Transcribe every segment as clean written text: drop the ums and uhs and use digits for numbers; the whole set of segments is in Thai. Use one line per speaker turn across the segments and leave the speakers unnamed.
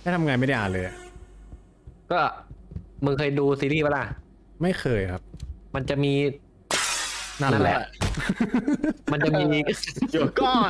ไม่ทำงานไม่ได้อ่านเลย
ก็มึงเคยดูซีรีส์ปะล่ะ
ไม่เคยครับ
มันจะมี
นั่นแหละ
มันจะมี
เดี๋ยวก่อน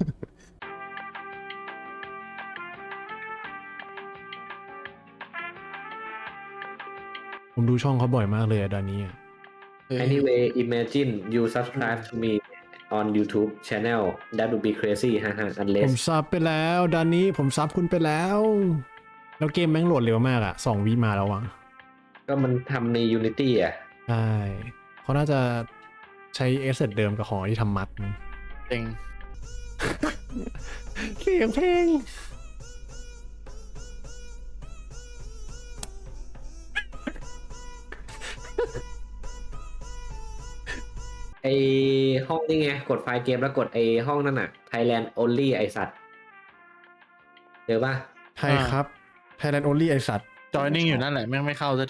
ผมดูช่องเขาบ่อยมากเลยอะดานนี้
Anyway imagine you subscribe to me on YouTube channel that would be crazy ฮ่าฮ่า
ผม
unless
ซับไปแล้วดานนี้ผมซับคุณไปแล้ว แล้วเกมแม่งโหลดเร็วมากอะ2 วิมาแล้วอะ
ก็มันทำใน Unity อ่ะ
ใช่เขาน่าจะใช้เอสเซทเดิมกับของที่ทำมัดมั้ง
เอง
เสียงเพลง
ไอห้องนี่ไงกดไฟล์เกมแล้วกดไอห้องนั่นน่ะ Thailand only ไอสัตว์เจอป่ะ
ไทยครับ Thailand only ไอสัตว์
จอยนิ่งอยู่นั่นแหละแม่งไม่เข้าสักที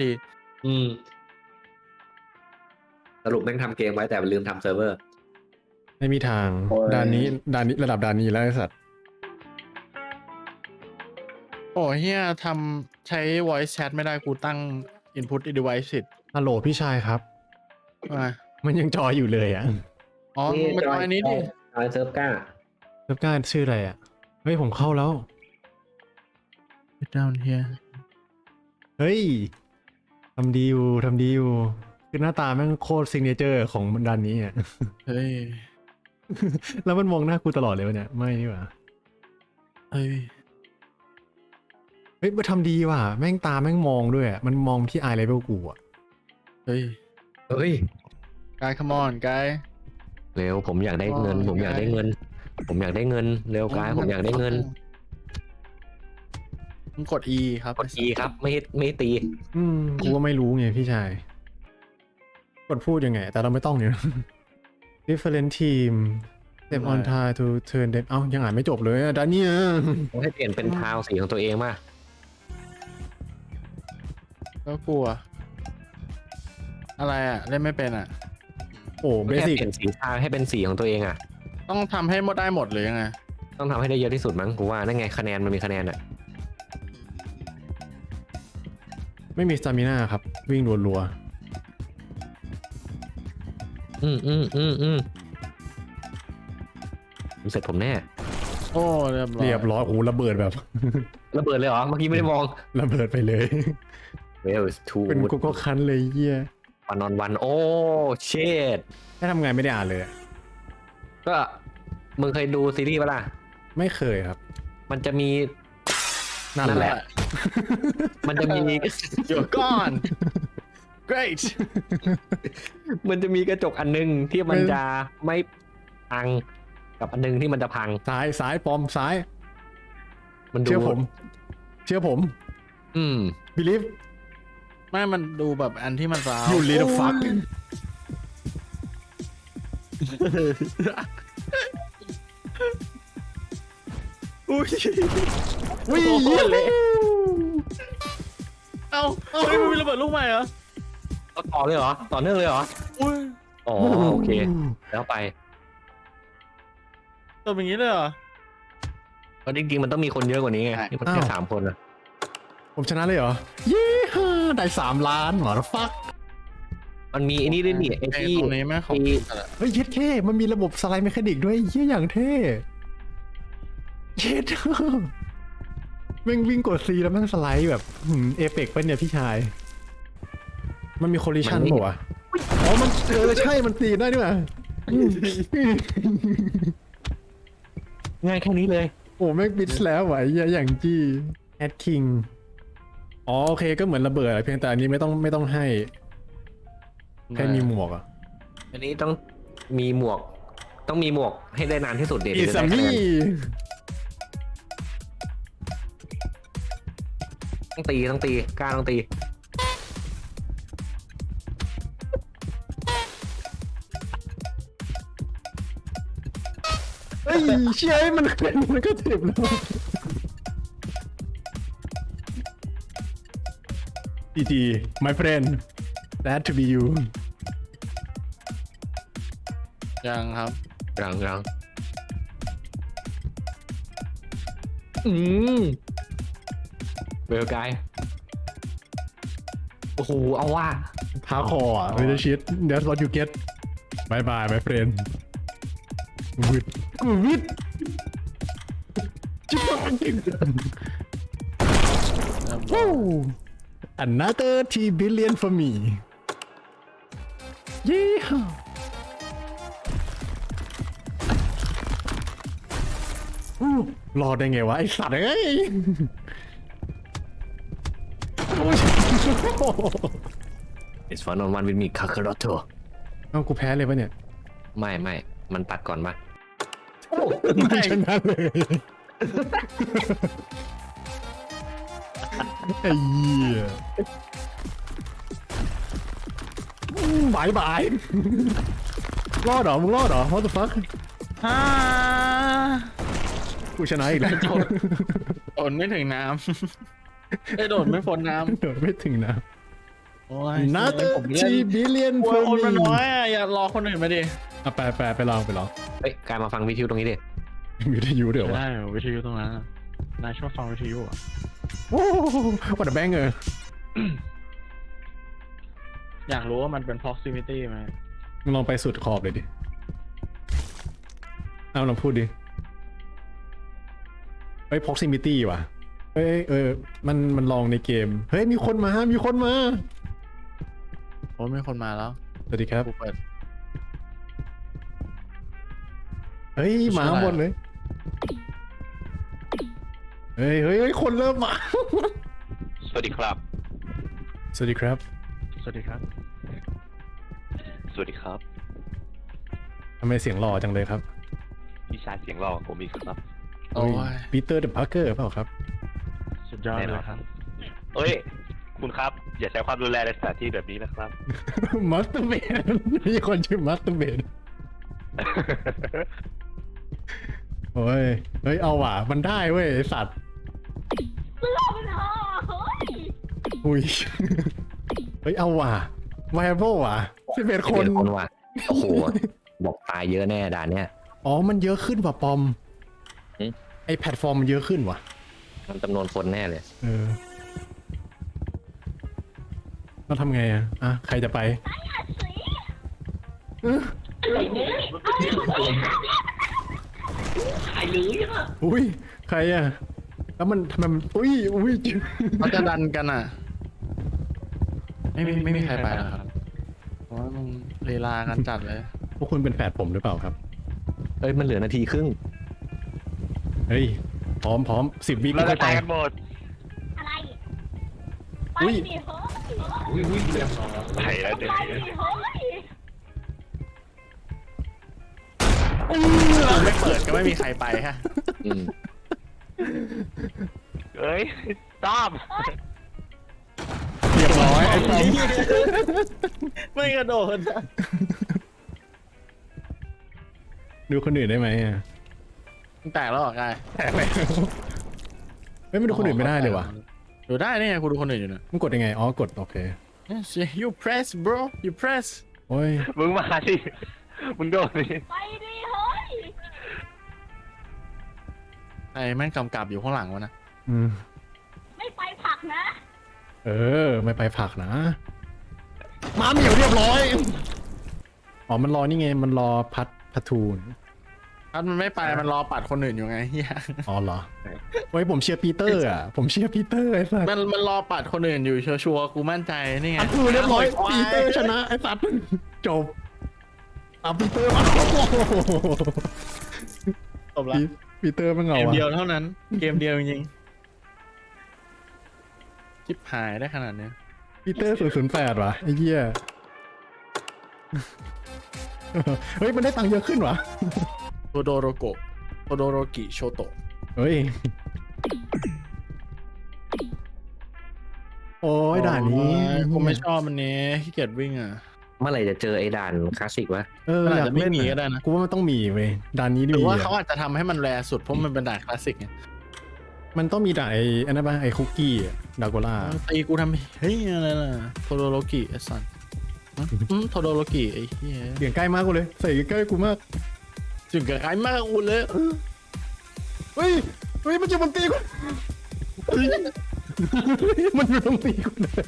สรุปแม่งทำเกมไว้แต่ลืมทำเซิร์ฟเวอร์
ไม่มีทาง
โอ้ย
ดานนี้ระดับดานนี้แล้วไอสัตว์
โอ้เฮียทำใช้ voice chat ไม่ได้กูตั้ง input device ผิด
ฮัลโหลพี่ชายครับ
มา
มันยังจอยอยู่เลยอะ
อ๋อมาจอยอันนี้ดิ
จอยเซิร์ฟก้า
เว็บการชื่ออะไรอะเฮ้ยผมเข้าแล้ว
Sit down here
เฮ้ยทำดีอยู่คือหน้าตาแม่งโคตรซิงเนเจอร์ของดานนี้อะ
เฮ้ย
แล้วมันมองหน้ากูตลอดเลยวะเนี่ยไม่นี่หว่า
เฮ้ย
เฮ้ยมันทำดีว่ะแม่งตาแม่งมองด้วยอะมันมองที่ eye level กูอะ
เฮ้ย
เฮ้ย
กาย come on กาย
เร็วผมอยากได้เงิน ผมอยากได้เงิน ผมอยากได้เงิน เร็วกายผมอยากได้เงิน
มึงกด E ครับ
กด E ครับไม่ตี
กูก็ไม่รู้ไงพี่ชายกดพูดยังไง แต่เราไม่ต้องเนี่ย different team step on time to turn them เอ้ายังอ่านไม่จบเลยอะดานนี่
ผมให้เปลี่ยนเป็นทาวสีของตัวเองมา
ก็กลัว อะไรอ่ะ เล่นไม่เป็นอ่ะ
โอ้เบ
แค่
สิก
เปลี่ยนสีทาวให้เป็นสีของตัวเองอ่ะ
ต้องทำให้หมดได้หมดหรือยังไง
ต้องทำให้ได้เยอะที่สุดมั้งกูว่านั่นไงคะแนนมันมีคะแนนอ่ะ
ไม่มีสตามิน่าครับ วิ่งรัว
เสร็จผมแน่
โอ้เรียบ
ๆ
ร้อย
เรียบร้อยโอ้ระเบิดแบบ
ระเบิดเลยเหรอ เมื่อกี้ไม่ได้มอง
ระเบิดไปเลย
Well two
เป็นกูก็คันเลยเยี่ย
วันนอนวันโอ้เชด
ไม่ทำงานไม่ได้อ่านเลยอะ
ก็มึงเคยดูซีรีส์ปะล่ะ
ไม่เคยครับ
มันจะมี
นั่นแหละ
มันจะมี
เดี๋ยวก่อน great
มันจะมีกระจกอันนึงที่มันจะไม่พังกับอันนึงที่มันจะพัง
ซ้ายปอมซ้าย
มันดู
เชื่อผม believe
ไม่มันดูแบบอันที่มันร้าว
you little fuck
อุ้ย
วิ่ง
เอาเฮ้ยมันมีระเบิดลูกใหม่เหรอ
ต่อเลยเหรอ ต่อเนื่องเลยเหรอ
อุ้ย
อ๋อโอเค แล้วไป
ตัวอย่างนี้เลยเหรอ
เพราะจริงๆมันต้องมีคนเยอะกว่านี้ไง
ใช่
นี่มันแค่3 คนนะ
ผมชนะเลยเหรอ เย้ฮ่าได้3 ล้านหมอฟัก
มันมีไอ้นี่ด้วยนี่ไอ้ที่
ตรงนี้แม่งของ
เฮ้ยเย็ดเท่มันมีระบบสไลด์เมคานิกด้วยเยี่ยอย่างเท่เย็ดแม่งวิ่งกด C แล้วแม่งสไลด์แบบเอเปกปะเนี่ยพี่ชาย มันมีโคลิชันป่ะวะอ๋อมันใช่มันตีได้ด้วยว่ะ
ง่ายแค่นี้เลย
โอ้แม่งบิดแล้วไหวเยี่ยอย่างจี้แอดคิงอ๋อโอเคก็เหมือนระเบิดอะเพียงแต่อันนี้ไม่ต้องให้แค่มีหมวกอะ
อันนี้ต้องมีหมวก ต้องมีหมวกให้ได้นานที่สุดเด็ด
อีซัมมี่
ต้องตีกล้าต้องตี
เฮ้ยเชี่ยมันก็เจ็บแล้ว GG my friend that to be you
ยังครับ
ยัง
เ
เวลกายโอ้โหเอาว่า
พาคอร์ไม่ได้ชิด that's what you get bye bye my friend วิดวิดจิ๊บวู้ another T billion for me ยี่ห้ารอดได้ไงวะไอสัตว์เอ้ยโอ้ย
It's one on one with me Kakaroto
เอ้ากูแพ้เลยปะเนี่ย
ไม่มันตัดก่อนมา
ไม่ชนะเลยไอ้เหี้ยบายบายรอดเหรอมึงรอดเหรอ what the fuck
ฮ่า
กูชนะอีกแล้ว
โดดไม่ถึงน้ำได้โดดไม่พ้นน้
โดดไม่ถึงนะ
ำโอ้ย
another
ผม
T billion
กลัว
for
คนมัน
me
น้อยอ่ะอย่ารอคนอื่นมาดิ
อ่ะไปลอง
เฮ้ยกายมาฟังวิทยุตรงนี้ดิ
มีวิทยุเดี๋ยววะ
ได้เหรอวิทยุตรงนั้นอะนายชอบฟังวิทยุอ่ะ
โอ้วัดแบงเออ
อยากรู้ว่ามันเป็น proximity ไหม
มึงลองไปสุดขอบเลยดิเอาลองพูดดิเฮ้ย proximity ว่ะเฮ้ยมันลองในเกมเฮ้ยมีคนมา
โอ้มีคนมาแล้ว
สวัสดีครับ
กูเปิด
เฮ้ยหมาหมดเลยเฮ้ยคนเริ่มมา
สวัสดีครับ
สวัสดีครับ
สวัสดีครับ
สวัสดีครับ
ทำไมเสียงหล่อจังเลยครับ
พี่ชายเสียงหล่อผมอีกครับ
โอ้ย
ปีเตอร์เดอะพาร์เกอร์เปล่าครับ
สุดยอดเลยครับ
เอ้ย คุณครับ อย่าใช้ความรุนแรงในสถานที่แบบนี้นะครับ
มัสเตอร์เบดมีคนชื่อมัสเตอร์เบดโอ้ยเฮ้ยเอาว่ะมันได้เว้ยไอ้สัตว์อุ้ยเฮ้ยเอาว่ะไวเบิลว่ะ11 คน
คนว่ะโอ้โหบอกตายเยอะแน่ด่านเนี้ย
อ๋อมันเยอะขึ้นว่ะปอม
หึ
ไอแพลตฟอร์มมันเยอะขึ้นว่ะ
มันจำนวนคนแน่เลย
เราทำไงอ่ะใครจะไปอุ้ยใครอ่ะแล้วมันทำไมมันอุ้ย
เขาจะดันกันอ่ะ ไม่มีใครไปหรอกครับเพราะว่ามึงลีลากันจัดเลย
พวกคุณเป็นแฝดผมหรือเปล่าครับ
เอ้ยมันเหลือนาทีครึ่ง
เฮ้ยพร้อม10 วิ
เรา
ก็
จะ
ไป
ตายกันหมด
อะไร
อุ๊ย
ไปดิเฮ้ย
ไปแล้วเด็ก
ไปดิเฮ้ย
ไม่เปิดก็ไม่มีใครไปฮะ
อืม
เอ้ยต้อม
เรียบร้อยไอ้ปอม
ไม่กระโดด
ดูคนอื่นได้ไหมอ่ะ
มึงแตกแล้วเหรอกาย
แตกแล้วเฮ้ยไม่ดูคนอื่นไม่ได้เลยว่ะ
ดูได้นี่ไงกูดูคนอื่นอยู่นะ
มึงกดยังไงอ๋อกดโอเค
Yes you press bro you press
โอ้ย
มึงมาดิมึงโดนดิ
ไปดิเฮ้ย
ไอ้แม่งกำกับอยู่ข้างหลังวะนะ
ไม่ไปผักนะ
ไม่ไปผักนะมาเหมียวเรียบร้อยอ๋อมันรอนี่ไงมันรอพัทูน
ถ้ามันไม่ไปมันรอปัดคนอื่นอยู่ไงเฮีย
อ๋อเหรอเฮ้ยผมเชียร์ปีเตอร์อ่ะผมเชียร์ปีเตอร์ไอ้สัส
มันรอปัดคนอื่นอยู่ชัวร์ๆกูมั่นใจนี่ไง
พัทูเรียบร้อยปีเตอร์ชนะไอ้สัสจบปีเตอร์มา
จบละ
ปีเตอร์มันเห
เก
งาม
เดียว
อ่ะ
เท่านั้น เกมเดียวจริงๆชิบหายได้ขนาดเนี้ย
ปีเตอร์008ว่ะไอ้เหี้ยเฮ้ยมันได้ตังค์เยอะขึ้นวะ
โทโดโรโกะโทโดโรกิโชโตะ
เฮ้ยโอ้ยด่านนี้
กูไม่ชอบมันนี้ขี้เกียจวิ่งอ่ะ
เมื่อไหร่จะเจอไอ้ด่านคลาสสิกวะ
มันอาจ
อยาก
จะไม่
เล่น
มี
อะ
ก็ได้นะ
กูว่ามันต้องมีเว้ยด่านนี้
หรือ
มี
ว่า
อะ
เขาอาจจะทำให้มันแรสุดเพราะมันเป็นด่านคลาสสิกไง
มันต้องมีด่านไอ้อันนั้นป่ะไอ้คุกกี้ดาโกล่า
ตีกูทำเฮ้ยอะไรล่ะโทโดโรกิไอ้สัสโทโดโรกิไอ้เหี้ย
เสียงใกล้มากกูเลยใส่ใกล้กูมาก
ถึงกับใครมากกูเลย
เฮ้ยมันจะมันตีกูมันอยู่ตรงนี้กูเลย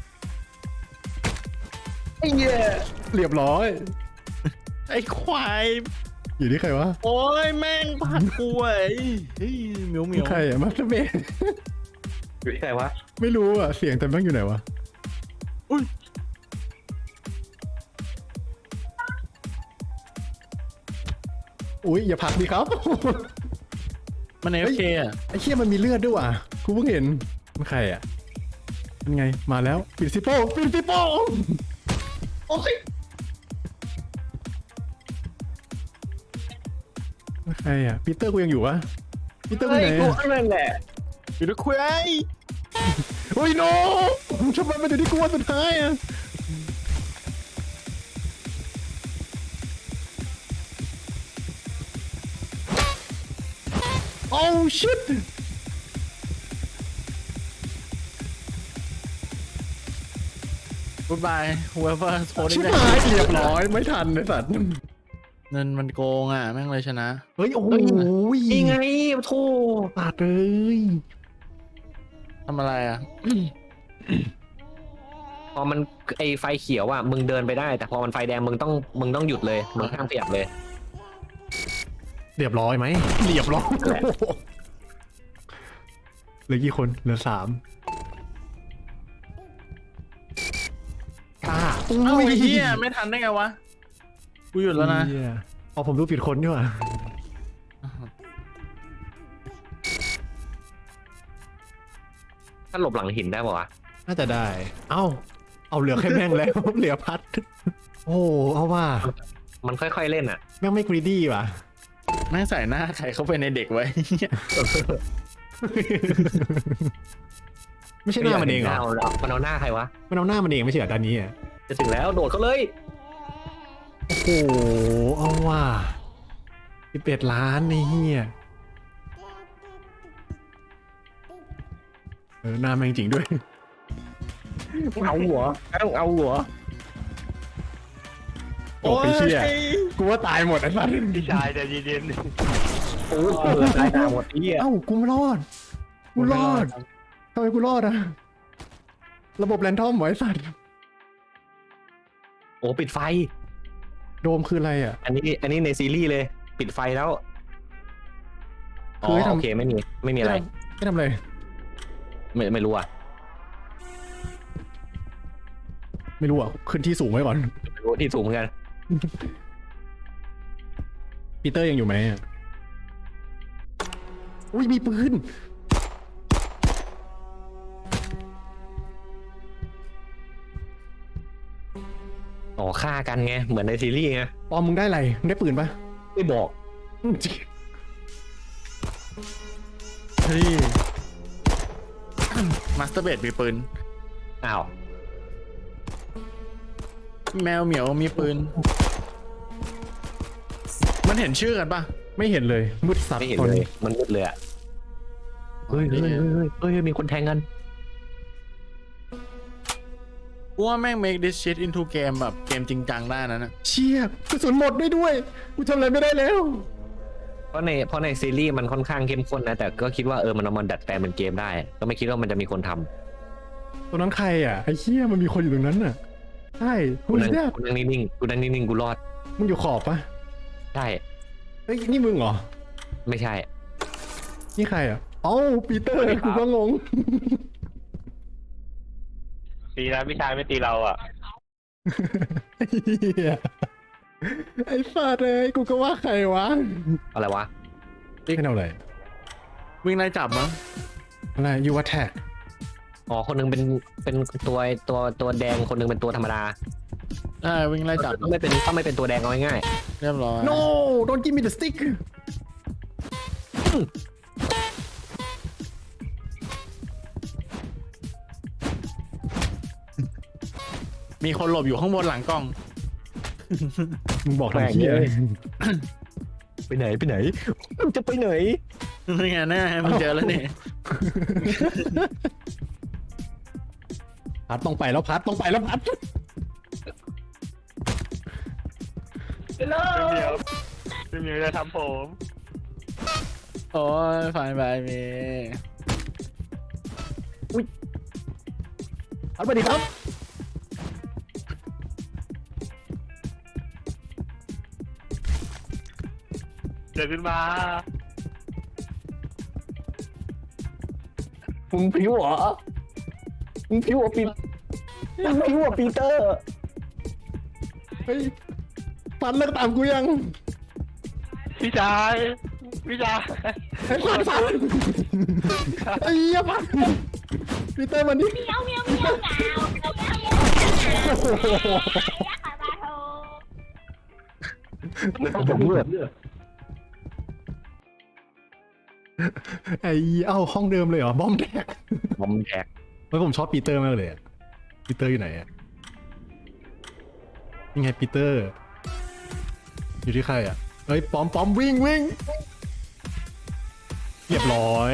ไอ้เหี้ย
เรียบร้อย
ไอ้ควาย
อยู่ที่ใครวะ
โอ้ยแม่งผักกูไอ้เฮ้ยเหมียวเหมียว
ใครอะมาสเตอร์เบน
อยู่ที่ไหนวะ
ไม่รู้อะเสียงแต่แม่งอยู่ไหนวะ
อุ้ย
อุ้ยอย่าผลักดิครับ
มันเอฟเคอะ
ไอ้เชี่ยมันมีเลือดด้วยว่ะกูเพิ่งเห็นมันใครอ่ะมันไงมาแล้วปิดซิโป้ปิดซิโป้โอ้ยมันใครอ่ะปีเตอร์กูยังอยู่วะปีเตอร์กูไหน
กู
อะ
นั่นแหละ
อยู่ด้วยคุย
โอ้ยโนทำไมมันถึงที่กูวันสุดท้ายอ่ะโอ้ชิต
กูดบาย whoever โทร
ชิบ
ได้
หายเรียบร้อยไม่ทันไอ้สัตว์
เงินมันโกงอ่ะแม่งเลยชนะ
เฮ้ยโอ้โห
นี่ไงโธ่
ปาดเลย
ทำอะไรอ่ะ
พอมันไอไฟเขียวอ่ะมึงเดินไปได้ แต่พอมันไฟแดงมึงต้องหยุดเลยมึงห้ามขยับเลย
เรียบร้อยไหมเรียบร้อย
แหละ
เหลือกี่คนเหลือ3อ่า
เอ้าไอ้เหี้ยไม่ทันได้ไงวะ กูหยุดแล้วนะ
เหี้ยเอาผมดูผิดคนดีกว่า
ถ้าหลบหลังหินได้ป่าวะ
น่าจะได้ เอาเหลือแค่แม่งแล้ว เหลือพัด โอ้เอาว่า
มันค่อยๆเล่นอ่ะ
แม่งไม่กรีดี้ว่ะ
แม่งใส่หน้าใครเข้าไปในเด็กไว้
ไม่ใช่หน้ามันเองเหรอ
มันเอาหน้าใครวะ
มันเอาหน้ามันเองไม่ใช่เหรอตอนนี้อ่ะ
จะถึงแล้วโดดเขาเลย
โอ้โหเอาว่า11 ล้านนี่เฮียหน้าแม่งจริงด้วย
เอาหัวเอาหัว
โอ้ยเชี่ยกูว่าตายหมดไอ้สัส
พี่ชายใจเย็น
โอ้โหตายหาหมดที่อ่ะ
เอ้ากูไม่รอด กูรอดทำไมกูรอดอะระบบแรนดอมเหรอไอ้สัตว์
โอ้ปิดไฟ
โดมคืออะไรอ่ะ
อันนี้ในซีรีส์เลย ปิดไฟแล้ว
คือให้ทำ
โอเคไม่มีอะไร
ไม่ทำอะไร
ไม่รู้อ่ะ
ไม่รู้อ่ะขึ้นที่สูงไว้ก่อน
ไม่รู้ที่สูงเหมือนกัน
ปีเตอร์ยังอยู่ไหมอะอุ้ยมีปืน
อ๋อฆ่ากันไงเหมือนในซีรีส์ไง
ปอมมึงได้อะไรมึงได้ปืนปะ
ไม่บอก
เฮ้ยมาสเตอร์เบดมีปืน
อ้าว
แมวเหมียวมีปืน มันเห็นชื่อกันปะ
ไม่เห็นเลยมืดสัตว์
ไม่เห็น
ตอน
เลย
นี้
มันมืดเลยอ่ะเฮ้ยมีคนแทงกัน
กูว่าแม่ง make this shit into game แบบเกมจริงจังได้นะนะ
เชี่ยกระสุนหมดด้วยกูทำอะไรไม่ได้แล้ว
เพราะในซีรีส์มันค่อนข้างเข้มข้นนะแต่ก็คิดว่ามันเอามาดัดแปลงเป็นเกมได้ ก็ไม่คิดว่ามันจะมีคนทำ
ตรงนั้นใครอ่ะไอ้เชี่ยมันมีคนอยู่ตรงนั้นน่ะใช่
กู
คุณ
นั่ง
เนี่ย
กูนั่งนิ่งๆกูนั่งนิ่งๆกูรอด
มึงอยู่ขอบปะ
ใช่
เฮ้ยนี่มึงเหรอ
ไม่ใช่
นี่ใครอ่ะเอ้าปีเตอร์
สวัสดีครับ
กูก็งง
ๆดีนะพี่ชายไม่ตีเราอ่ะ
ไอ้เหี้ยไอ้สัตว์เลยกูก็ว่าใครวะ
อะไรวะ
ให้เอาอะไร
วิ่งไล่จับมั้ง
อะไรยูวัตแท็ก
อ๋อคนหนึงเป็นตัวแดงคนหนึงเป็นตัวธรรมดา
ใช่วิ่งไล่จับ
ต้องไม่เป็นตัวแดงเอาง่าย
เรียบร้อย
no don't give me the stick
มีคนหลบอยู่ข้างบนหลังกล้อง
มึงบอกทางเหี้ย
ๆไปไหนจะไปไหน
นี่ไงนี่ไงมึงเจอแล้วนี่
พัดต้องไปแล้วพัดต้องไปแล้วพัด
พี่เหมียวจะทำผม
โอ้ยฝ่ายบายเม
สวัสดีครับ
เดินขึ้นมา
มึงผิวเหรอมึงผิวเหรอมึงผิวเหรอปีเตอร์
เฮ้ยฟันเลิกตามกูยัง
พี่ชายพี่ชาย
ไอ้ฟันฟันไอ้เหี้ยฟันปีเตอร์มันนี่
เมียวเมียวเมียวเงาเมียวเมียวเมียวยักษ์ขาบาโท
ผมเลือด
ไอ้เอ้าห้องเดิมเลยเหรอบอมแดก
บอมแดก
เฮ้ยผมชอบปีเตอร์มากเลยอะปีเตอร์อยู่ไหนอะยังไงปีเตอร์ อยู่ที่ใครอะเฮ้ยปอมวิ่งเรียบร้อย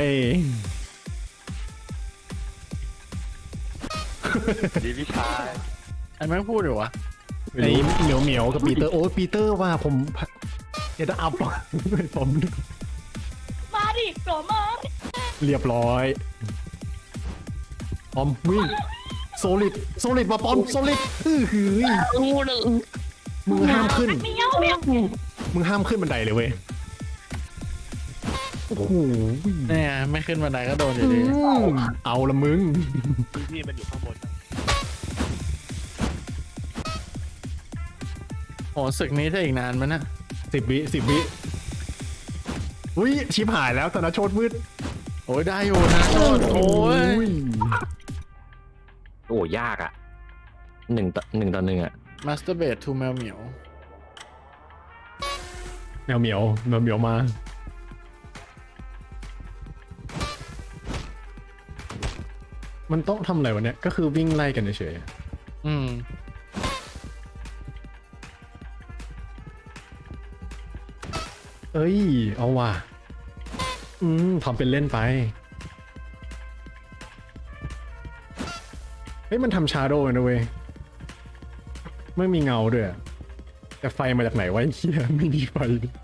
ดีพี่ชาย
ไอ้แม่งพูดอยู่วะ
ไอ้เหมียวกับปีเตอร์โอ้ยปีเตอร์ว่าผมอย่าจะอัพผม
มาดิโกรมา
เรียบร้อยปอมวิ่งโซลิดมาปอมโซลิดหือมึงห้ามขึ้น
เมียวเมียว
มึงห้ามขึ้นบันไดเลยเว้ยโอ้โห
เนี่ยไม่ขึ้นบันไดก็โดนอยู่ดี
เอาละมึง
พี่มันอยู่ข้างบน
โอ้ศึกนี้จะอีกนานไหมนะ
10 วิอุ้ยชิบหายแล้วธนโชตมืด
โอ้ยได้อยู่นะโทษโอ้ย
โอ้ยากอ่ะ1-1 อ่ะ
มาสเตอร์เบดทูแมวเหมียว
แมวเหมียวมา มันต้องทำอะไรวะเนี่ย ก็คือวิ่งไล่กันเฉย
อืม
เอ้ย เอาว่ะทำเป็นเล่นไป เฮ้ย มันทำชาโดว์นะเว้ย ไม่มีเงาด้วยอะแต่ไฟมาจากไหนวะไอ้เหี้ยไม่มีไฟ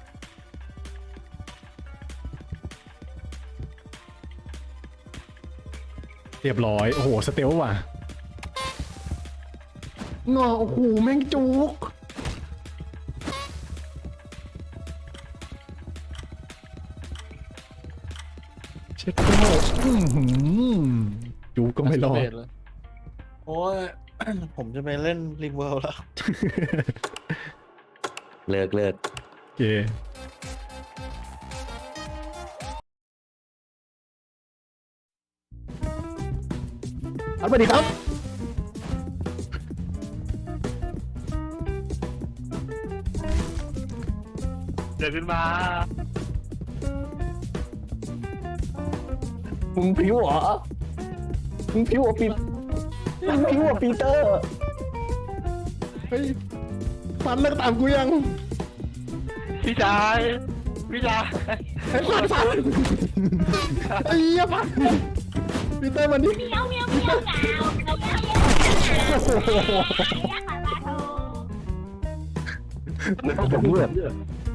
เรียบร้อย โอ้โห สเตลว่ะงอโอ้โห แม่งจุก เช็ดโก้จุกก็ไม่รอด
Masturbate เลยโอ้ย ผมจะไปเล่นริงเวิลด์แล้ว
เลิก
โอเคสวัสดีครับ
เดินขึ้นมา
มึงผิวเหรอมึงผิวเหรอปีเตอร์
เฮ้ยฟันเลิกตามกูยัง
พี่ชายพี่ชาย
ไอ้ฟันไอ้เหี้ยฟันปีเตอร์มันนี่
เมียวเมียวเมียวเงาเมียวเมียวเมียวยักษ์ขาบาโท
ผมเลือด